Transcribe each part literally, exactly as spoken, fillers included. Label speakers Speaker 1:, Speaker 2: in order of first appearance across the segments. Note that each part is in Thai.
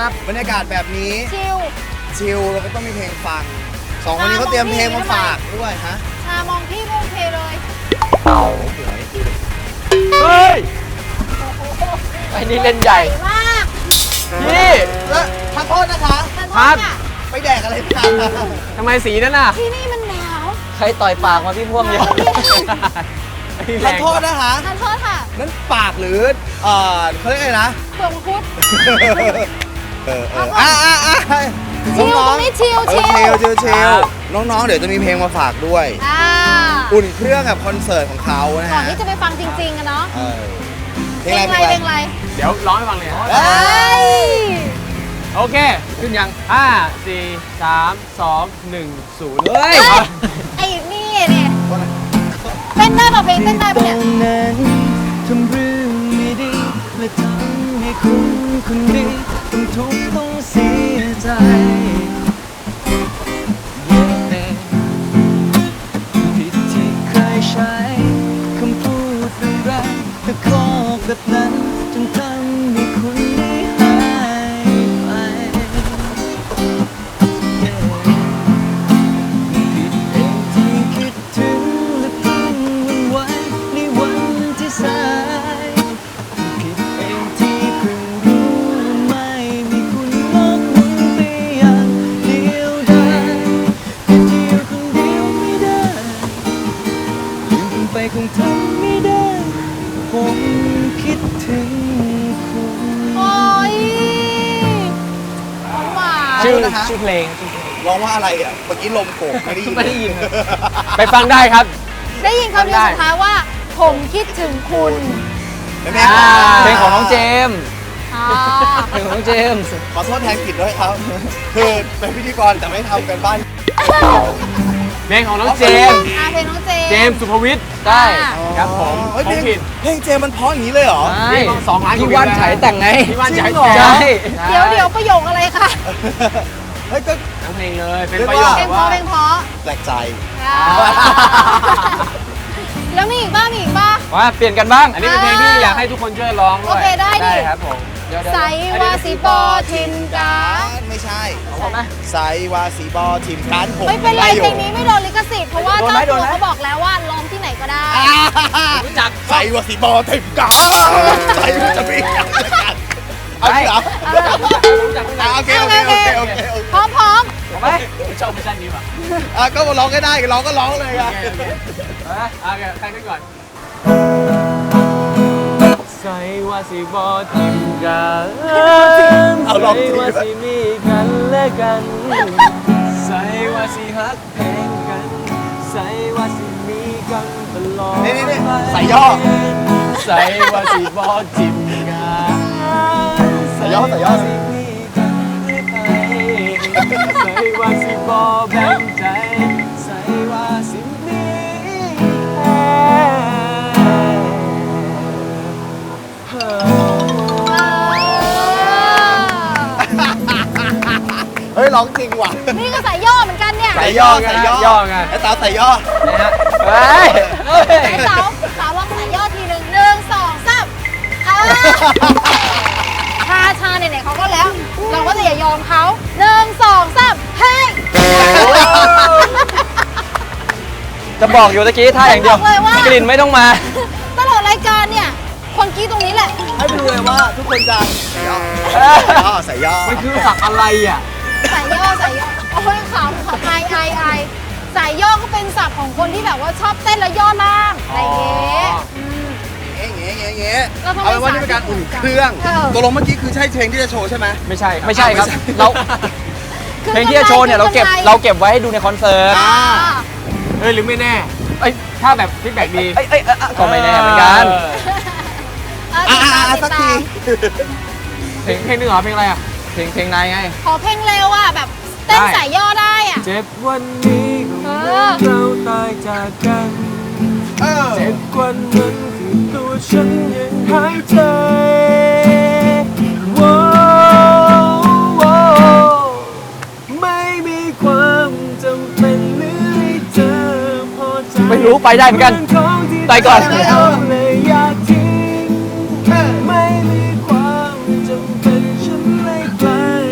Speaker 1: ครับบรรยากาศแบบนี้
Speaker 2: ชิล
Speaker 1: ชิลเราก็ต้องมีเพลงฟังสองคนนี้เขาเตรียมเพลงมาฝากด้วยฮะ
Speaker 2: ชามองพี่โอเคเลย
Speaker 3: เฮ้ยไอ้นี่เล่นใหญ่
Speaker 2: มาก
Speaker 3: พี่
Speaker 1: แล้วขอโทษนะคะ
Speaker 3: ครับ
Speaker 1: ไปแดกอะไรกัน
Speaker 3: ทำไมสีนั่นน่ะ
Speaker 2: ที่นี่มันหนาว
Speaker 3: ใครต่อยปากมาพี่พ่วงเยอะ
Speaker 1: ขอโทษนะคะ
Speaker 2: ขอโทษค่ะ
Speaker 1: นั่นปากหรือเอ่อเขาเรียกอะไรนะ
Speaker 2: เปลือกมังคุด
Speaker 1: เออเอออ่ะอ่ะอ่ะ
Speaker 2: ชิลตรงนี้ชิลชิล
Speaker 1: ชิลชิลชิลน้องๆเดี๋ยวจะมีเพลงมาฝากด้วยอุ่นเครื่องกับคอนเสิร์ตของเขานะฮะ
Speaker 2: ก่อนที่จะไปฟังจริงๆกันเนาะ
Speaker 1: เพลงอะไร
Speaker 2: เพลงอะไร
Speaker 3: เดี๋ยวร้องให้ฟังเลยโอเคขึ้นยังห้าสี่สามสองหนึ่งศูนย์เฮ้ย
Speaker 2: ไอ้นี่เนี่ยเต้นได้ป่ะเพลงเต้นได้ป่ะเนี่ย
Speaker 4: ทำเรื่องไม่ดีและทำให้คุณคนดีต้องทุกข์ต้องเสียใจผิดที่เคยใช้คำพูดแรงๆตะคอกแบบนั้นจนทำให้คุณได้หายไปผิดเองที่คิดถึงและเพิ่งวันไหวในวันที่สายผิดเองที่เพิ่งรู้ไม่มีคุณมองมุนไปอย่างเดียวดายแต่ที่อยู่คนเดียวไม่ได้ยืมคุณไปคงทำไม่ได้ผมคิดถึงคุณ
Speaker 2: โอ้ยหวาน
Speaker 3: ชื่อชื่อเพลง
Speaker 1: ร้องว่าอะไรอ่ะเมื่อกี้ลมโกกไม่ได้ยิน
Speaker 3: ไม่ได้ยินไปฟังได้ครับ
Speaker 2: ได้ยินคำเดียวสุดท้ายว่าผมคิดถึงคุณ
Speaker 3: เพลงของน้องเจมส์เพลงของน้องเจมส์
Speaker 1: ขอโทษแทนกิจด้วยครับคือเป็นพิธีกรแต่ไม่ทำกันบ้าน
Speaker 3: เพลงของน้องเจมส์
Speaker 2: เพลงน้องเจมส์
Speaker 3: เจมส์สุภวิทย์ได้ครับผม
Speaker 1: เพลงเพลงเจมส์มันเพราะอย่างนี้เลยเหรอ
Speaker 3: ใช่สองล้าน
Speaker 4: พี่ว่านฉายแต่งไง
Speaker 3: พี่ว่านฉาย
Speaker 4: ใช่
Speaker 2: เดี๋ยวเดี๋ยวประโยคอะไรคะ
Speaker 1: เฮ้ยก็
Speaker 3: ทั้งเพลงเลยเป็นประโยค
Speaker 2: เพลงเพราะเพลงเพราะ
Speaker 1: แปลกใจ
Speaker 2: แล้วมีอีกบ้างมีอีกบ้าง
Speaker 3: ว่าเปลี่ยนกันบ้างอันนี้เป็นเพลงที่อยากให้ทุกคนช่วยร้องด้วย
Speaker 2: โอเคได้ดิ
Speaker 3: ครับผม
Speaker 2: ใส่วาสีบอทิมกัน
Speaker 1: ไม่ใช่
Speaker 3: ไหม
Speaker 1: ใส่วาสีบอทิมกันผม
Speaker 2: ไม่เป็นไรเพลงนี้ไม่โดนลิขสิทธิ์เพราะว่าเจ้าตัวเขาบอกแล้วว่าร้องที่ไหนก็ได้
Speaker 1: รู้จักใส่วาสีบอทิมกันใส่จะมีเอาเหรอโอเคโอเคโอเคโอเค
Speaker 2: พร้อมพร้อม
Speaker 3: ไปชอบเวอร์ชันนี้ป่ะ
Speaker 1: อ่ะก็มาร้องก็ได้ร้องก็ร้องเลยอ่ะ
Speaker 3: โอเคใครขึ้นก่อนใส่ว่าสิบอทิมกัน
Speaker 1: เอาลองสิ
Speaker 3: ว่าสิมีกันและกันใส่ว่าสิฮักแพงกันใส่ว่าสิมีกันตลอด
Speaker 1: นี่นี่ใส่ย่อ
Speaker 3: ใส่ว่าสิบอทิมกัน
Speaker 1: ใส่ย่อใส่ย่อ
Speaker 3: สิมีกันใส่ว่าสิบอแบ่งใจใส่ว่าสิมี
Speaker 1: เฮ้ยร้องจริงว่ะ
Speaker 2: นี่ก็ใส่ย่อเหมือนกันเนี่ย
Speaker 1: ใส่ย่อใส่ย่อ
Speaker 3: ไง
Speaker 1: ไอ้สาวใส่ย่อ
Speaker 3: นะฮะเฮ้ย
Speaker 2: ไอ้สาวสาวลองใส่ย่อทีหนึ่งหนึ่งสองสามชาชาเนี่ยเขาก็แล้วเราก็จะอย่ายอมเขาหนึ่งสองสามเฮ้ย
Speaker 3: จะบอกอยู่ตะกี้ท่าอย่างเดียวกลิ่นไม่ต้องมา
Speaker 2: ตลอดรายการเนี่ยคนกี้ตรงนี้แหละ
Speaker 1: ให้ไปดูเลยว่าทุกคนจะใส่ย่อใส่ย่อ
Speaker 3: มันคือสักอะไรอ่ะ
Speaker 2: ใส่ย่อใส่ย่อโอ้ยขำขำไอไอไอใส่ย่อก็เป็นศัพท์ของคนที่แบบว่าชอบเต้นแล้วย่อล่างอะไรเงี้ย
Speaker 1: เงี้ยเงี้ยเงี้ยเอาเป็นว่านี่เป็นการอุ่นเครื่องตัวลงเมื่อกี้คือใช่เพลงที่จะโชว์ใช่ไหม
Speaker 3: ไม่ใช่ไม่ใช่ครับเราเพลงที่จะโชว์เนี่ยเราเก็บเราเก็บไว้ให้ดูในคอนเสิร์ตเฮ้ยหรือไม่แน่ไอ้ถ้าแบบฟีดแบ็กดีก็ไม่แน่เหมือนกัน
Speaker 1: อ่าสักที
Speaker 3: เพลงเพลงนึงเหรอเพลงอะไรอ่ะเพลงเพลงนายไง
Speaker 2: ขอเพลงเร็วอ่ะแบบเต้นสายย่อได้อ่ะ
Speaker 3: เจ็บวันนี้ก็เหมือนเราตายจากกันเจ็บกว่านั้นคือตัวฉันยังหายใจไม่มีความจำเป็นหรือให้เธอพอใจไม่รู้ไปได้เหมือนกันไปก่อนไม่มีความจำเป็นฉันเลยกลาย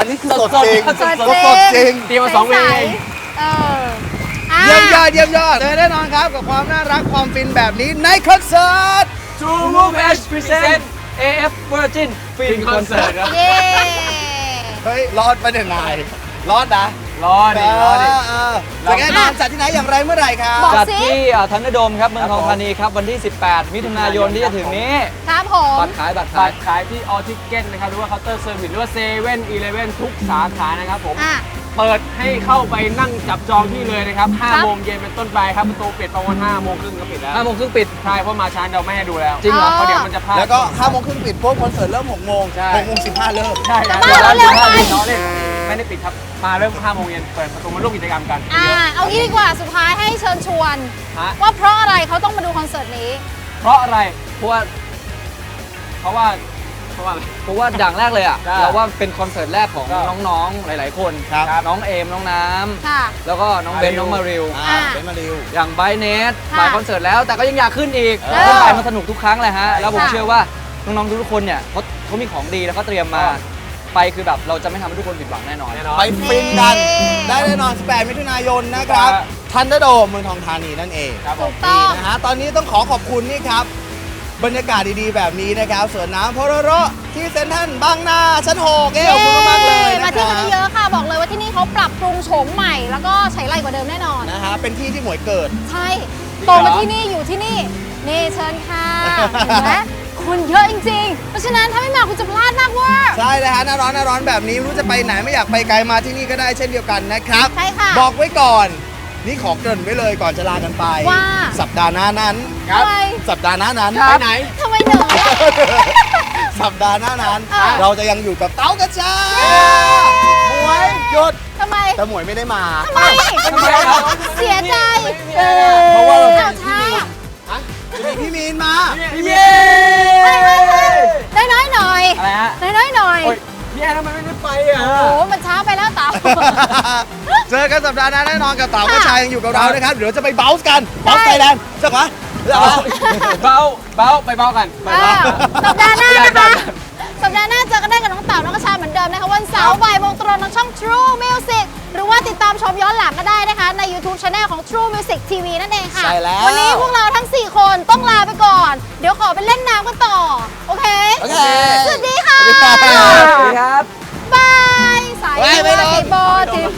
Speaker 1: อันนี้คือสดจริง
Speaker 3: สด
Speaker 2: สด
Speaker 1: สดจริง
Speaker 3: เตรียมมาสองเพลง
Speaker 2: ใสๆเอออ่ะ
Speaker 1: เยี่ยมยอดเยี่ยมยอดเจอแน่นอนครับกับความน่ารักความฟินแบบนี้ในคอนเสิร์ต
Speaker 3: True Move H Present เอ เอฟ Virgin Fin Concert ครับ
Speaker 2: เย้
Speaker 1: เฮ้ย รอดไปเนี่ยนายรอดนะ
Speaker 3: รอดิรอดิ
Speaker 1: เออจะแน่นอนจัดที่ไหนอย่างไรเมื่อไหร่ครับ
Speaker 2: บอก
Speaker 3: จัด
Speaker 2: สิ
Speaker 3: ที่ทันเดอร์โดมครับเมืองทองธานีครับ วันที่ สิบแปด มิถุนายนที่จะถึงนี้
Speaker 2: ครับผม
Speaker 3: บัตรขายบัตรขา
Speaker 5: บั
Speaker 3: ย
Speaker 5: ตรขายที่ออทิเก็ตนะครับหรือว่าเคาน์เตอร์เซอร์วิสหรือว่าเซเว่นอีเลฟเว่นทุกสาขานะครับผม
Speaker 2: อ่ะ
Speaker 5: เปิดให้เข้าไปนั่งจับจองที่เลยนะครับ
Speaker 2: ครับ
Speaker 5: ห้าโมงเย็นเป็นต้นไปครับประตูปิดประมาณห้าโมงครึ่งก็ปิดแล้ว
Speaker 3: ห้าโมงครึ่งปิด
Speaker 5: ใช่เพราะมาช้าเราไม่ให้ดูแล้ว
Speaker 3: จริงเหรอ
Speaker 5: เพราะเดี๋ยวมันจะพลาด
Speaker 1: แล้วก็ห้าโมงครึ่งปิดพวกคอนเสิร์ตเริ่มหกโมง
Speaker 5: ใช่
Speaker 1: หกโมงสิบห้าเริ่ม
Speaker 5: ใช่ครับ
Speaker 2: แต่ว่าเราเร็วไป
Speaker 5: ล้อเล่นไม่ได้ปิดครับมาเริ่มห้าโมงเย็นเปิดประตูมาร่วมกิจกรรมกัน
Speaker 2: อ่าเอางี้ดีกว่าสุดท้ายให้เชิญชวน
Speaker 5: ฮะ
Speaker 2: ว่าเพราะอะไรเขาต้องมาดูคอนเสิร์ตนี้
Speaker 5: เพราะอะไร
Speaker 3: เพราะว่า
Speaker 5: เพราะว่าเพราะว่าอะไร
Speaker 3: เพราะว่าดังแรกเลยอ่ะ
Speaker 5: ได้
Speaker 3: เราว่าเป็นคอนเสิร์ตแรกของ
Speaker 5: ครับ
Speaker 3: น้องๆ หลายๆ คน
Speaker 1: ครับ
Speaker 3: น้องเอม น้องน้
Speaker 2: ค่ะ
Speaker 3: ำ แล้วก็น้องเบน
Speaker 5: มาริว
Speaker 3: น้องมาริว
Speaker 1: อ่าเป็นมาริว
Speaker 3: อย่างไบเนส
Speaker 2: ค่ะ
Speaker 3: ไปคอนเสิร์ตแล้ว แต่ก็ยังอยากขึ้นอีก
Speaker 1: เออ
Speaker 3: ขึ้นไปมันสนุกทุกครั้งเลยฮะ แล้วผม
Speaker 2: ค่ะ
Speaker 3: เชื่อว่าน้องๆ ทุกๆคนเนี่ยเขาเขามีของดีแล้วเขาเตรียมมา ไปคือแบบเราจะไม่ทำให้ทุกคนผิดหวังแน่นอน
Speaker 5: แน่นอน
Speaker 1: ไปฟินกัน
Speaker 2: เย้
Speaker 1: ได้แน่นอนสิบแปดมิถุนายนนะครับ
Speaker 5: ครับ
Speaker 1: ทันเดอร์โดมเมืองทองธานีนั่นเอง
Speaker 5: ครับผ
Speaker 2: ถู
Speaker 5: ม
Speaker 2: กต้อง
Speaker 1: นะฮะตอนนี้ต้องขอขอบคุณนี่ครับ บรรยากาศดีๆ แบบนี้นะครับสวนน้ำพอรโรที่เซ็นทรัลบางนาชั้นหกเอ้ขอบคุณมากๆเลย
Speaker 2: มา
Speaker 1: นะค
Speaker 2: เที่ยว
Speaker 1: รั
Speaker 2: กัน
Speaker 1: บ
Speaker 2: เยอะๆค่ะ บอกเลยว่าที่นี่เขาปรับปรุงโฉมใหม่ แล้วก็ใช้ไรกว่าเดิมแน่นอน
Speaker 1: นะฮะเป็นที่ที่หมวยเกิด
Speaker 2: ใช่โตมาที่นี่อยู่ที่นี่ นี่เชิญค่ะเห็นไหมคนเยอะจริงๆ เพราะฉะนั้นถ้าไม่มาคุณจะพลาดมากเว่า
Speaker 1: ใช่เลยฮะหน้าร้อนหน้าร้อนแบบนี้ไม่รู้จะไปไหนไม่อยากไปไกลมาที่นี่ก็ได้เช่นเดียวกันนะครับ
Speaker 2: ใช่ค่ะ
Speaker 1: บอกไว้ก่อน นี่ขอเกริ่นไว้เลยก่อนจะลากันไป
Speaker 2: ว่า
Speaker 1: สัปดาห์หน้านั้น
Speaker 2: ทำไม
Speaker 1: สัปดาห์หน้านั้น
Speaker 3: ครับ
Speaker 1: ไปไหน
Speaker 2: ทำไมเหนื่อยอะ
Speaker 1: สัปดาห์หน้านั้น
Speaker 2: อ่ะ
Speaker 1: เราจะยังอยู่กับเต้ากระจาหมวยหยุด
Speaker 2: ทำไม
Speaker 1: แต่หมวยไม่ได้มา
Speaker 2: ทำไม
Speaker 5: ทำไมครับ
Speaker 2: เสียใจ
Speaker 1: เพราะว่าเรา
Speaker 2: อ้าวช้า
Speaker 1: จะมีพี่มีนมา
Speaker 5: เย้
Speaker 2: ได้น้อยหน่อย
Speaker 5: อะไรฮะ
Speaker 2: ได้น้อยหน่อย
Speaker 5: โอ้ยพี่แอนทำไมไม่ได้ไปอ่ะ
Speaker 2: โอ้โหมันช้าไปแล้วเต๋า
Speaker 1: เจอกันสัปดาห์หน้าแน่นอนกับเต๋ากระชายยังอยู่กับเรานะครับ เดี๋ยวจะไปเบลส์กันเบลส์ไทยแลนด์เจ้าขวะเจ้าขวะ
Speaker 5: เบาเบาไปเบากันไป
Speaker 2: อ่า
Speaker 5: เบา
Speaker 2: สัปดาห์หน้านะคะ สัปดาห์หน้าเจอกันได้กับน้องเต๋าน้องกระชาเหมือนเดิมนะคะวันเสาร์บ่ายโมงตรงทางช่อง True Music หรือว่าติดตามชมย้อนหลังก็ได้นะคะ ใน YouTube Channel ของ True Music ที วี นั่นเองค่ะ
Speaker 1: ใช่แล้ว
Speaker 2: วันนี้พวกเราทั้ง สี่ คนต้องลาไปก่อน เดี๋ยวขอไปเล่นน้ำกันต่อ โอเค
Speaker 1: โอเค
Speaker 2: สวัสดีค่ะ
Speaker 1: สวัสดีครับ
Speaker 3: สวัสดีครับ
Speaker 2: บายสาย
Speaker 1: บ๊ายบาย
Speaker 2: ติดโบติด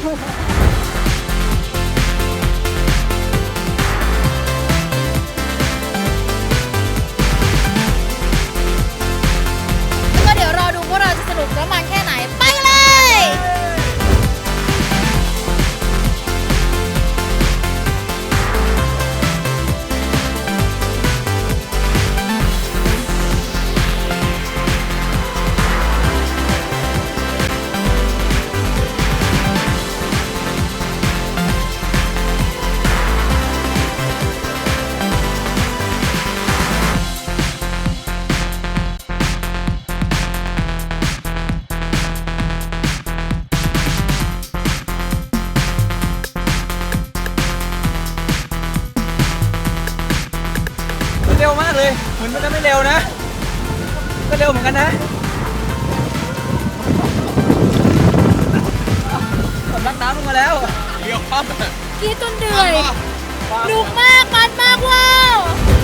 Speaker 2: ก็เดี๋ยวรอดูพวกเราจะสนุกและมันแค่ไหน ไปเลย
Speaker 3: เร็วมากเลย เหมือนมันจะไม่เร็วนะ ก็เร็วเหมือนกันนะสำลักน้ำลงมาแล้ว
Speaker 2: กีดจนเหนื่อยหนุกมากมันมากว้าว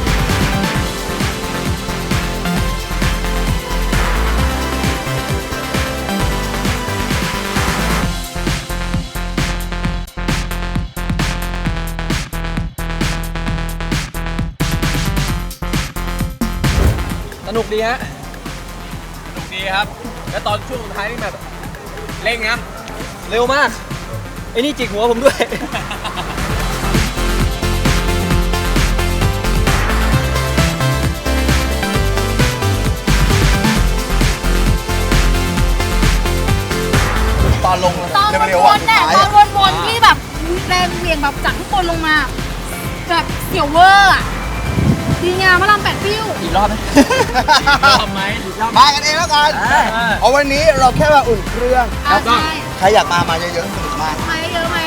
Speaker 3: สนุกดีฮะ
Speaker 5: สนุกดีครับ แล้วตอนช่วงสุดท้ายนี่แบบเร่งนะ
Speaker 3: เร็วมาก ไอ้นี่จิกหัวผมด้วย
Speaker 1: ตอนลง
Speaker 2: ตอน
Speaker 1: เร็ว
Speaker 2: ว
Speaker 1: ๆอ่ะ
Speaker 2: นๆเนี่ยตอนวนๆที่แบบแรงเหวี่ยงแบบจากข้างบนลงมา แบบเสียวเวอร์อะดีงามพระรามแปดปิ้ว
Speaker 3: อีกรอบไหม
Speaker 5: ทำไหม
Speaker 1: มากันเองแล้วกัน
Speaker 3: อ่า
Speaker 1: เอาวันนี้เราแค่มาอุ่นเครื่อง
Speaker 2: อ่ะใช่
Speaker 1: ใครอยากมา มาเยอะๆสนุกมาก
Speaker 2: มาเยอะๆมา